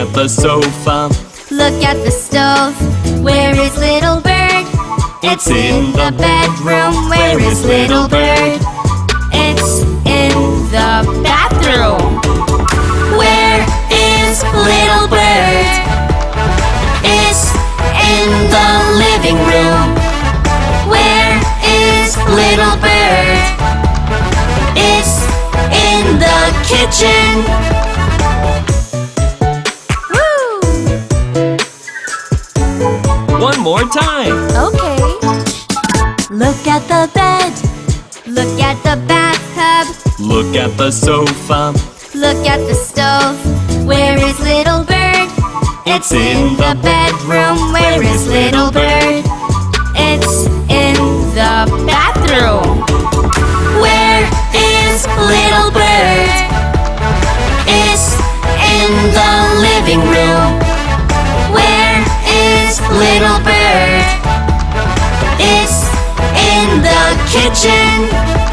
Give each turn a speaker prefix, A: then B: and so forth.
A: at the sofa.
B: Look at the stove. Where is little bird?
A: It's in the
B: bedroom. Where is little bird? It's in the bathroom. Where is little bird? It's in the living room. Where is little bird? It's in the kitchen.
A: One more time.
B: Okay. Look at the bed. Look at the bathtub.
A: Look at the sofa.
B: Look at the stove. Where is little bird?
A: It's in the
B: bedroom. Where is little bird? It's in the bathroom. Where is little bird? It's in the living room. Where is little bird? It's in the kitchen.